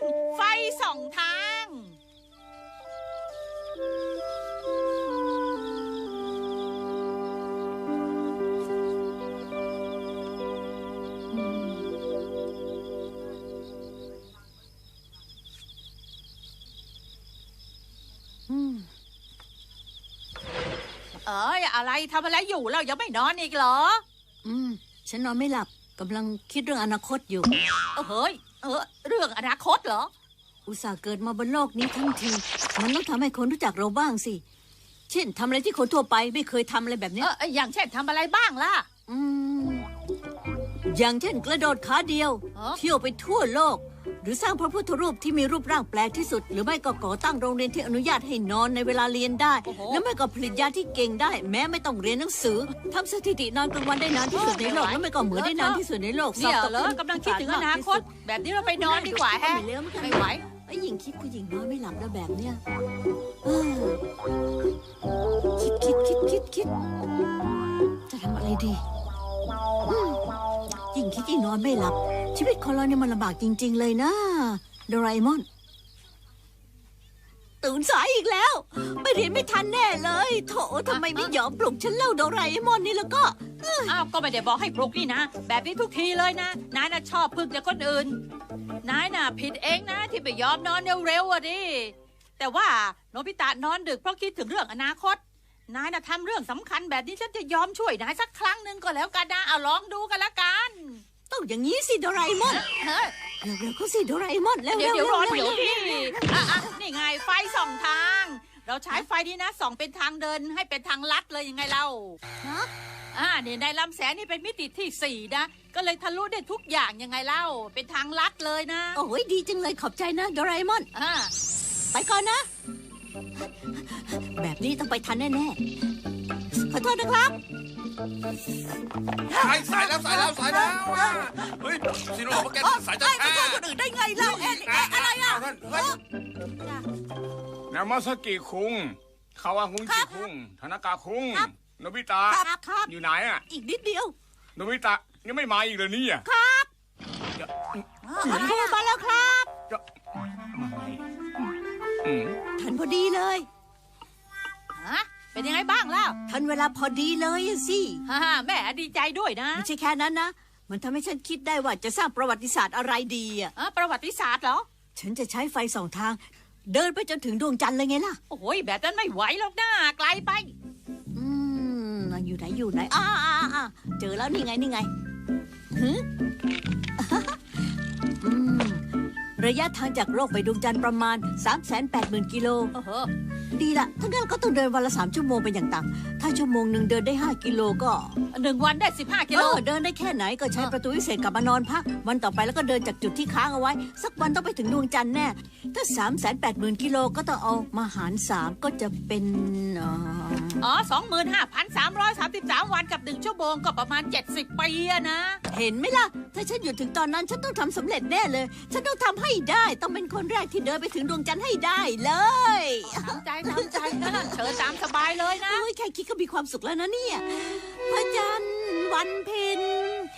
ไฟสองทางอะไรทำอะไรอยู่เรายังไม่นอนอีกเหรอฉันนอนไม่หลับกำลังคิดเรื่องอนาคตอยู่เฮ้ยเรื่องอนาคตเหรออุตส่าห์เกิดมาบนโลกนี้ทั้งทีมันต้องทำให้คนรู้จักเราบ้างสิเช่นทำอะไรที่คนทั่วไปไม่เคยทำอะไรแบบนี้อย่างเช่นทำอะไรบ้างล่ะอย่างเช่นกระโดดขาเดียวเที่ยวไปทั่วโลกหรือสร้างพระพุทธรูปที่มีรูปร่างแปลกที่สุดหรือไม่ก็ก่อตั้งโรงเรียนที่อนุญาตให้นอนในเวลาเรียนได้แล้วไม่ก็ผลิตยาที่เก่งได้แม้ไม่ต้องเรียนหนังสือทำสถิตินอนกลางวันได้นานที่สุดในโลกแล้วไม่ก็เหมือนได้นานที่สุดในโลกเนี่ยเหรอกำลังคิดถึงอนาคตแบบนี้เราไปนอนดีกว่าแฮะไม่ไหวไอ้หญิงคิดผู้หญิงนอนไม่หลับแล้วแบบเนี้ยคิดจะทำอะไรดียิ่งคิดยิ่งนอนไม่หลับชีวิตของเราเนี่ยมันลำบากจริงๆเลยนะโดราเอมอนตื่นสายอีกแล้วไม่เรียนไม่ทันแน่เลยโถทำไมไม่ยอมปลุกฉันเล่าโดราเอมอนนี่แล้วก็ก็ไม่ได้บอกให้ปลุกนี่นะแบบนี้ทุกทีเลยนะนายน่ะชอบพึ่งจากคนอื่นนายน่ะผิดเองนะที่ไม่ยอมนอนเร็วๆอ่ะดิแต่ว่าโนบิตะนอนดึกเพราะคิดถึงเรื่องอนาคตนายน่ะทำเรื่องสำคัญแบบนี้ฉันจะยอมช่วยนายสักครั้งหนึ่งก็แล้วกันนะเอาลองดูกันละกันต้องอย่างนี้สิโดราเอมอนเร็วๆก็สิโดราเอมอนแล้วเดี๋ยวรอเดี๋ยวพี่นี่ไงไฟสองทางเราใช้ไฟนี้นะส่องเป็นทางเดินให้เป็นทางลัดเลยยังไงเล่าเนี่ยในลำแสงนี่เป็นมิติที่4นะก็เลยทะลุได้ทุกอย่างยังไงเล่าเป็นทางลัดเลยนะโอ้ยดีจังเลยขอบใจนะโดราเอมอนไปก่อนนะแบบนี้ต้องไปทันแน่ๆขอโทษนะครับสายแล้วเฮ้ยซีโร่บอกแกสายจะแพ้คนอื่นได้ไงเล่าอะไรอ่ะนามาสกิคุงคาวาฮุงจิคุงธนากาคุงโนบิตะอยู่ไหนอ่ะอีกนิดเดียวโนบิตะยังไม่มาอีกเลยนี่อ่ะครับครูมาแล้วครับทันพอดีเลยเป็นยังไงบ้างล่ะทันเวลาพอดีเลยสิแม่ดีใจด้วยนะไม่ใช่แค่นั้นนะมันทำให้ฉันคิดได้ว่าจะสร้างประวัติศาสตร์อะไรดีประวัติศาสตร์เหรอฉันจะใช้ไฟสองทางเดินไปจนถึงดวงจันทร์เลยไงล่ะโอ้ยแบบนั้นไม่ไหวหรอกนะไกลไปอยู่ไหนเจอแล้วนี่ไงระยะทางจากโลกไปดวงจันทร์ประมาณ 380,000 กิโลดีละถ้างั้นก็ต้องเดินวันละ3 ชั่วโมงเป็นอย่างต่ำถ้าชั่วโมงหนึ่งเดินได้5 กิโลก็ 1 วันได้15 กิโลเดินได้แค่ไหนก็ใช้ประตูวิเศษกลับมานอนพักวันต่อไปแล้วก็เดินจากจุดที่ค้างเอาไว้สักวันต้องไปถึงดวงจันทร์แน่ถ้า 380,000 กิโลก็ต้องเอามาหาร3ก็จะเป็น 25,333 วันกับ1 ชั่วโมงก็ประมาณ70 ปีนะเห็นไหมล่ะถ้าฉันอยู่ถึงตอนนั้นฉันต้องทำสำเร็จแน่เลยฉันต้องทำให้ได้ต้องเป็นคนแรกที่เดินไปถึงดวงจันทร์ให้ได้เลยทำใจนะเชิญตามสบายเลยนะแค่คิดก็มีความสุขแล้วนะเนี่ยพระจันทร์วันเพ็ญ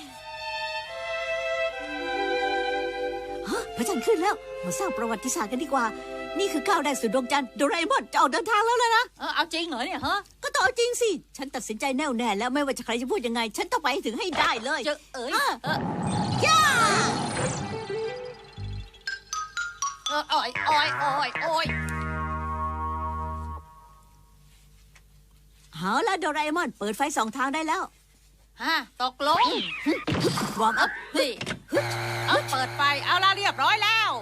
พระจันทร์ขึ้นแล้วมาสร้างประวัติศาสตร์กันดีกว่านี่คือก้าวแรกสู่ดวงจันทร์โดราเอมอนจะออกเดินทางแล้วนะเอาจริงเหรอเนี่ยก็ต้องเอาจริงสิฉันตัดสินใจแน่วแน่แล้วไม่ว่าจะใครจะพูดยังไงฉันต้องไปถึงให้ได้เลยย่าโอ้ยเอาละโดราเอมอนเปิดไฟ2 ทางได้แล้วตกลงวอร์มอัพนี่เปิดไฟเอาละเรียบร้อยแล้ว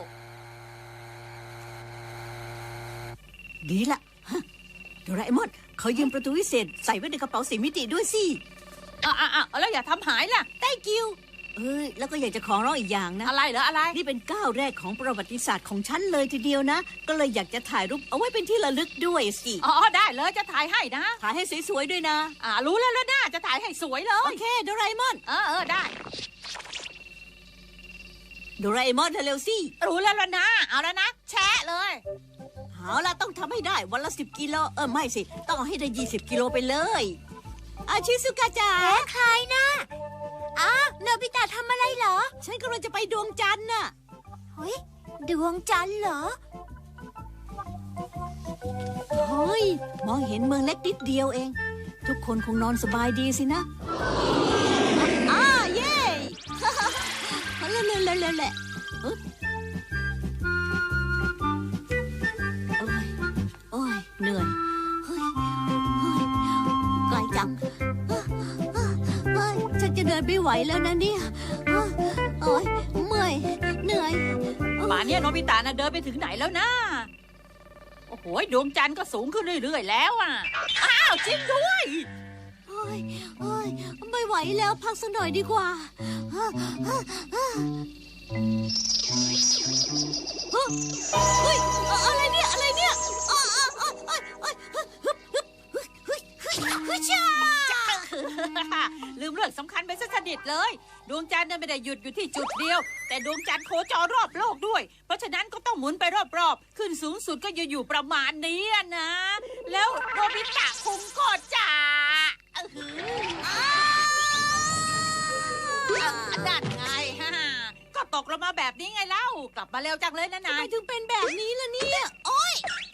ดีละโดราเอมอนเขายืมประตูวิเศษใส่ไว้ในกระเป๋า4 มิติด้วยสิแล้วอย่าทำหายล่ะ Thank youแล้วก็อยากจะขอร้องอีกอย่างนะอะไรเหรออะไรนี่เป็นก้าวแรกของประวัติศาสตร์ของฉันเลยทีเดียวนะก็เลยอยากจะถ่ายรูปเอาไว้เป็นที่ระลึกด้วยสิได้เลยจะถ่ายให้นะถ่ายให้สวยๆด้วยนะรู้แล้วนะจะถ่ายให้สวยเลยโอเคโดราเอมอนได้โดราเอมอนเร็วสิรู้แล้วนะเอาแล้วนะแชะเลยเอาล่ะต้องทำให้ได้วันละ10 กิโลไม่สิต้องเอาให้ได้20 กิโลไปเลยชิซุกะจ๋าใครนะโนบิตะทำอะไรเหรอฉันกำลังจะไปดวงจันทร์น่ะเฮ้ยดวงจันทร์เหรอเฮ้ยมองเห็นเมืองเล็กนิดเดียวเอง ทุกคนคงนอนสบายดีสินะเย่เล่นแหละโอ้ยเหนื่อยเฮ้ยไกลจังฉันจะเดินไม่ไหวแล้วนะเนี่ยโอ้ยเมื่อยเหนื่อยป่านเนี้ยโนบิตะน่ะเดินไปถึงไหนแล้วนะ โอ้โหดวงจันทร์ก็สูงขึ้นเรื่อยๆแล้วอ่ะ อ้าวจริงด้วยโอ้ยไม่ไหวแล้วพักสักหน่อยดีกว่าเฮ้ยอะไรเนี่ยลืมเรื่องสำคัญไปซะสนิทเลย ดวงจันทร์เนี่ยไม่ได้หยุดอยู่ที่จุดเดียว แต่ดวงจันทร์โคจรรอบโลกด้วย เพราะฉะนั้นก็ต้องหมุนไปรอบๆ ขึ้นสูงสุดก็อยู่ประมาณนี้นะ แล้วโนบิตะคุงก็จะนั่นไงฮะก็ตกลงมาแบบนี้ไงเล่ากลับมาเร็วจังเลยนะนายทำไมถึงเป็นแบบนี้ล่ะเนี่ยโอ๊ย